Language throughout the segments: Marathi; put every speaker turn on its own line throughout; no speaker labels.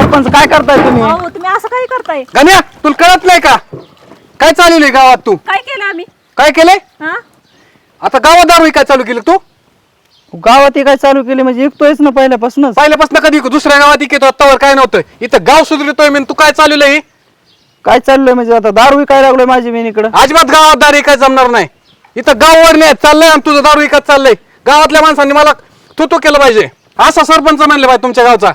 सरपंच काय करताय तुम्ही?
अहो तुम्ही असं काय करताय?
गण्या तुला कळत नाही का काय चालू गावात? तू
काय केलं आम्ही?
काय केलंय?
हा
आता गावात दारू काय चालू केलं तू?
गावात हे काय चालू केली म्हणजे ऐकतोयच ना पहिल्यापासूनच.
पहिल्यापासून कधी दुसऱ्या गावात इकेतो आत्तावर काय नव्हतं इथं गाव सुधरतोय मी तू काय चालू आहे?
काय चाललंय म्हणजे आता दारू विकायला लागलोय माझी मी इकडं.
अजिबात गावात दारू काय जमणार नाही. इथं गाव वडणे चाललंय आणि तुझं दारू विकत चाललंय. गावातल्या माणसांनी मला तू केलं पाहिजे. असा सरपंच म्हणले पाहिजे तुमच्या गावचा.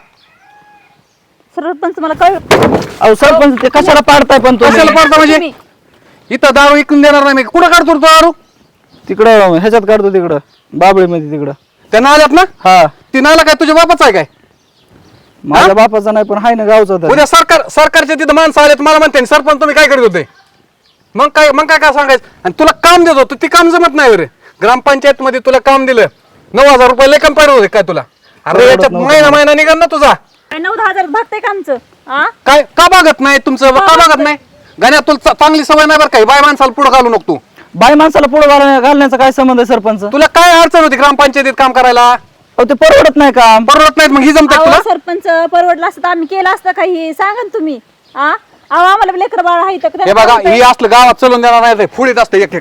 सरपंच मला काय
अहो सरपंच ते कशाला पाडताय पण तुम्ही?
कशाला पाडता म्हणजे? इथं दारू विकून देणार नाही मी. कुठं काढतो दारू?
तिकडं ह्याच्यात काढतो तिकडं बाबळीमध्ये तिकडं.
त्या नाल्यात ना?
हा
ती नाला काय तुझ्या बापाचा आहे काय?
माझ्या बापाचा नाही पण हाय ना गावचा तर.
उद्या सरकारच्या तिथं माणसं आले मला म्हणते सरपंच तुम्ही काय करत होते? मग काय सांगायचं? आणि तुला काम देत होतो ते काम जमत नाही रे. ग्रामपंचायत मध्ये तुला काम दिलं 9,000 रुपये लय कम पाहिजे होते काय तुला? अरे याच्यात महिना निघाल ना तुझा.
काय 9-10,000 भागतंय का आमचं? हा
काय का बघत नाही तुमचं? का बघत नाही? गाण्या तुला चांगली सवय नाही बरं काय बाय माणसाला पुढे घालू नको तू.
बाई माणसाला पुढे घालण्याचा काय संबंध आहे सरपंच?
तुला काय अडचण होती ग्रामपंचायतीत काम करायला?
अहो ते परवडत नाही काम.
परवडत नाहीत मग ही जमतात
अहो
तुला?
सरपंच परवडलं असतं तर आम्ही केलं असतं काही सांगा ना तुम्ही. हा अहो आम्हाला लेकर बाळ आहे तर
हे बघा ही असलं गावात चलून देणार नाही. फुडीत असतं एक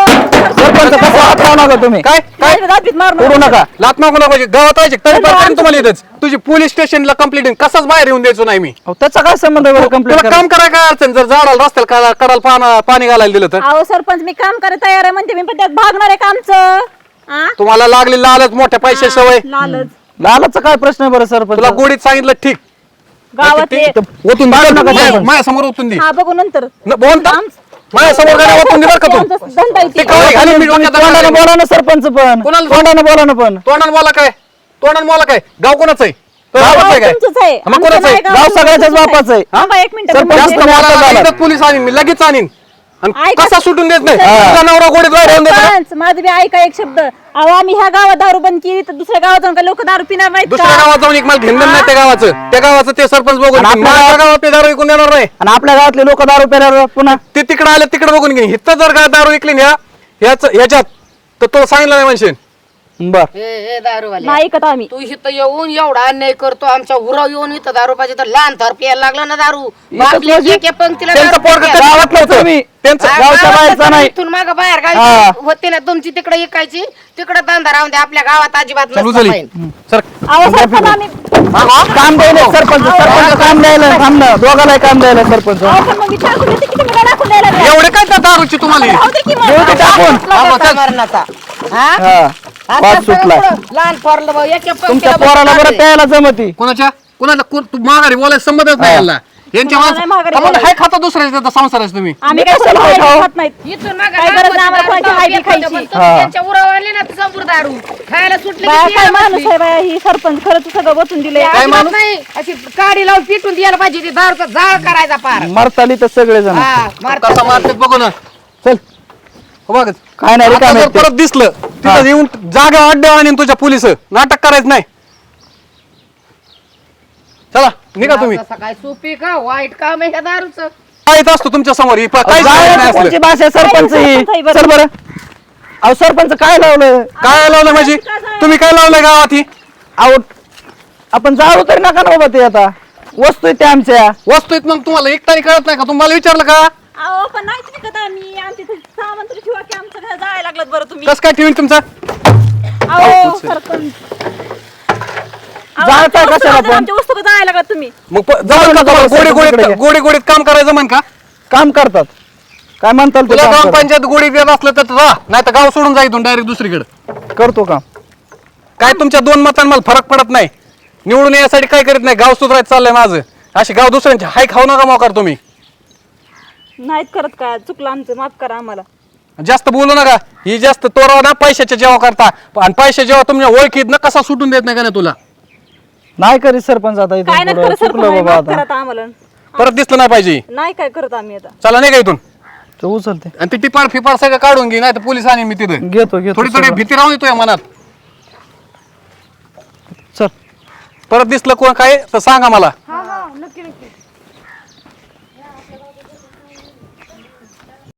सरपंच कसं हात लावू नका तुम्ही.
काय काय
करू नका.
लात मागू नका पाहिजे गावात पाहिजे तरी पण तुम्हाला येतच. तुझी पोलीस स्टेशनला कंप्लेंट कसाच बाहेर येऊन द्यायचो नाही मी.
अहो त्याचा काय संबंध आहे कंप्लेंट
तुला काम करायला काय अडचण? जर झाडाला रस्त्याला कडाला पाणी घालायला दिलं तर?
अहो सरपंच मी काम करायला तयार आहे म्हणते मी पण त्यात भागणार आहे का आमचं? हा
तुम्हाला लागली लालच मोठ्या पैसे सवय.
लालच
लालाचा काय प्रश्न आहे बरं सरपंच?
तुला गोडीत सांगितलं ठीक.
गावात
ओतून माझ्या समोर ओतून दे.
हा बघू नंतर
बोलता माझ्या समोर गाड्या ओतून दे बरं का तू.
धंदा आहे
ते
ती.
कवळी घालून मी डोक्यात
तोंडाने
घालायला.
बोला ना सरपंच पण.
कोणाला-
तोंडाने बोला ना पण.
तोंडानं बोला काय? तोंडानं बोला काय? गाव कोणाचं आहे? तो
गाव
गावाचं आहे काय?
तुमचंच आहे.
मग कोणाचं आहे?
आमचं नाही,
गाव सगळ्याच्याच
तुमचंच आहे.
बापाचं आहे.
थांबा एक मिनिट
सरपंच
जास्त
तुम्ही आता
मला
झाला.
एकदा पोलीस आणीन मी लगेच आणीन. आणि
ऐका.
कसा सुटून देत नाही?
हा.
तुझा नवरा गोडीत बाहेर येऊन देतो का?
सरपंच, माझं बी ऐका एक शब्द. अहो आम्ही ह्या गावात दारू बंद केली तर दुसऱ्या गावात जाऊन का लोक दारू पिणार नाहीत
दुसऱ्या
का?
गावात जाऊन एक मला घेणं नाही त्या गावाचं ते सरपंच बघून
आणि
माझ्या गावात ते दारू विकून देणार नाही.
आणि आपल्या गावातले लोक दारू प्यायला पुन्हा
ते तिकडे आले तिकडे बघून घेईन. इथं जर का दारू विकली ना याच्यात तर तो सांगितलं नाही म्हणशील.
बर.
हे दारूवाले
नाही ऐकत आम्ही.
तू इथं येऊन एवढा अन्याय करतो आमच्या उराव येऊन इथं दारू पाहिजे तर लहान थर प्यायला लागला ना दारू बापले
म्हणजे?
एके पंक्तीला
त्यांचं
दारू
पोरगं
प्यायला.
गावातलं होतं.
तुम्ही
त्यांचं
हा,
गावच्या
गावात
बाहेरचा
तर
नाही.
इथून मागं बाहेर
हा.
गावी होते ना तुमची तिकडे इकायची तिकडे धंदा राहून द्या आपल्या गावात अजिबात
चल
नसतं
उचल
पाहिजे.
सर
अहो सरपंच आम्ही
काम द्यायला सरपंच. सरपंच काम द्यायला थांब ना. दोघाला काम द्यायला सरपंच.
अहो पण मग विचार करून येते की तुम्ही काय दाखवून द्यायला लागलाय?
एवढे काय त्या दारूची तुम्हाला?
राहू दे की मग.
देऊ दे टाकून.
आपला मरणाचा हा?
हा
आता
पाच
सगळं
सुटला.
पुढं लहान पोरलं बघ, एके
तुमच्या
पंक्तीला
पोराला
बसून
बरं प्यायला जमती.
कोणाच्या तू माघारी बोलायला संबंधच नाही याला. यांच्या
तुम्हाला नाही माघारी
माणसं
बोलायचं.
हाय खाता दुसऱ्याच्या संसाराच तुम्ही.
आम्ही काय
कशाला
कोणाची
खाऊ?
खात नाहीत.
इथून मागं
काय गरज नाही आम्हाला
दारू
कोणाची हाय बी
प्यायची.
खायची.
पण तुम्ही त्यांच्या उरावर आले ना तर समोर दारू खायला सुटले
बाया
की
काय
प्यायला
माणूस
बसली.
आहे बाया ही सरपंच खरंच सगळं बसून दिले.
अजिबात नाही अशी काडी लावून पिटून द्यायला पाहिजे ती दारूचा जाळ करायचा पार
मरताली तर सगळे जण.
हा मारतात.
कसा मारतात बघू ना.
चल
हो बघ
काय नाही
आता
रिकामे
जर परत दिसलं तिथं येऊन जागा अड्डे आणि तुझ्या पोलिस नाटक करायचं नाही. चला निघा तुम्ही.
असं काय सोपी का वाईट काम आहे ह्या दारूचं.
काय असतो तुमच्या समोर ही काहीच नाही
कोणची
असलं.
भाषा आहे सरपंच ही?
सरपंच आहे बरं.
चल बरं. अहो सरपंच काय लावलं?
काय लावलं माझी? तुम्ही काय लावलंय गावात ही?
अहो आपण जाऊ तरी नका ना बाबा ते आता वस्तू आहे त्या आमच्या.
वस्तू आहेत मग तुम्हाला एकटाने कळत नाही का? तुम्हाला विचारलं का?
अहो पण नाहीच विकत आम्ही. आमच्या इथे सामान तरी ठेवा की आमचं घर जायला लागलं बरं तुम्ही.
कस काय ठेवीन तुमचा?
अहो सरपंच. अहो,
जायचं
आमच्या
कशाला
वस्तू-
पण?
आमच्या वस्तू जायला लागला तुम्ही.
मग जाऊ का तुम्हाला गोडी गोडीत काम करायचं म्हण का?
काम करतात काय म्हणताल ते
तुला
काम करतात.
ग्रामपंचायत गोडी देत असलं तर राह, नाही तर गाव सोडून जा इथून डायरेक्ट दुसरीकडे.
करतो काम.
काय तुमच्या 2 मतांना मला फरक पडत नाही. निवडून यासाठी काय करीत नाही. गाव सुधारायचं चाललंय माझं. अशी गाव दुसऱ्यांची हाय खाऊ नका मोकार तुम्ही.
नाहीत करत काय चुकलं आमचं माफ करा आम्हाला.
जास्त बोलू नका. ही जास्त तोराव ना पैशाच्या जेव्हा करता आणि पैसे जेव्हा तुमच्या ओळखीत ना कसा सुटून देत नाही का नाही तुला.
नाही करीत सरपंच आता
काय
इथून
नाही
पुढं.
करत
चुकलं
सरपंच
बाबा
माफ करा
आता.
आता आम्हाला.
परत दिसलं नाही पाहिजे.
नाही काय करत आम्ही आता.
चला नाही का इथून.
तो उचलते
आणि ती टिपाड फिपाड सगळं काढून घे नाही तर पोलीस आणि मी तिथे
घेतो घेतो
थोडी थोडी
सगळं.
भीती राहून येतोय मनात.
चल
परत दिसलं कोण काय तर सांगा मला.